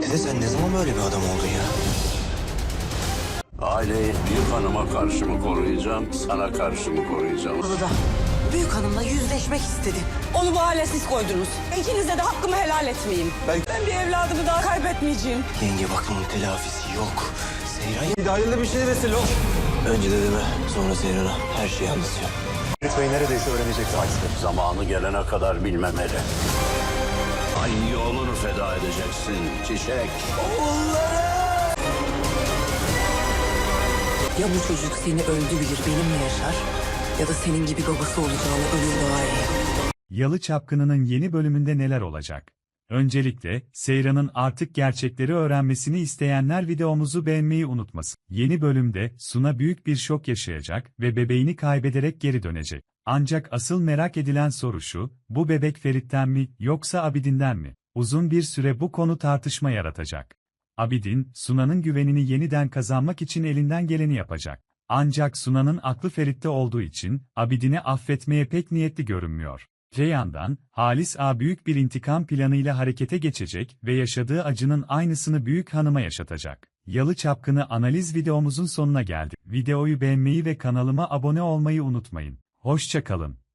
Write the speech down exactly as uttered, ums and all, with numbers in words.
Dede sen ne zaman böyle bir adam oldun ya? Aileyi büyük hanıma karşı mı koruyacağım, sana karşı mı koruyacağım? Bunu da büyük hanımla yüzleşmek istedi. Onu bu hale siz koydunuz. İkinize de hakkımı helal etmeyeyim. Ben- Ben bir evladımı daha kaybetmeyeceğim. Yenge bak bunun telafisi yok. Seyran... Bir de hayırlı bir şey vesile ol. Önce dedeme, sonra Seyran'a her şeyi anlatacağım. Lütfen neredeyse öğrenecek zaten. Zamanı gelene kadar bilmemeli. Ay oğlunu feda edeceksin çiçek. Ya bu çocuk seni öldü bilir benimle yaşar ya da senin gibi babası olacağını ölür daha iyi. Yalı Çapkını'nın yeni bölümünde neler olacak? Öncelikle, Seyran'ın artık gerçekleri öğrenmesini isteyenler videomuzu beğenmeyi unutmasın. Yeni bölümde, Suna büyük bir şok yaşayacak ve bebeğini kaybederek geri dönecek. Ancak asıl merak edilen soru şu, bu bebek Ferit'ten mi, yoksa Abidin'den mi? Uzun bir süre bu konu tartışma yaratacak. Abidin, Suna'nın güvenini yeniden kazanmak için elinden geleni yapacak. Ancak Suna'nın aklı Ferit'te olduğu için, Abidin'i affetmeye pek niyetli görünmüyor. Öte yandan, Halis Ağa büyük bir intikam planıyla harekete geçecek ve yaşadığı acının aynısını büyük hanıma yaşatacak. Yalı Çapkını analiz videomuzun sonuna geldik. Videoyu beğenmeyi ve kanalıma abone olmayı unutmayın. Hoşça kalın.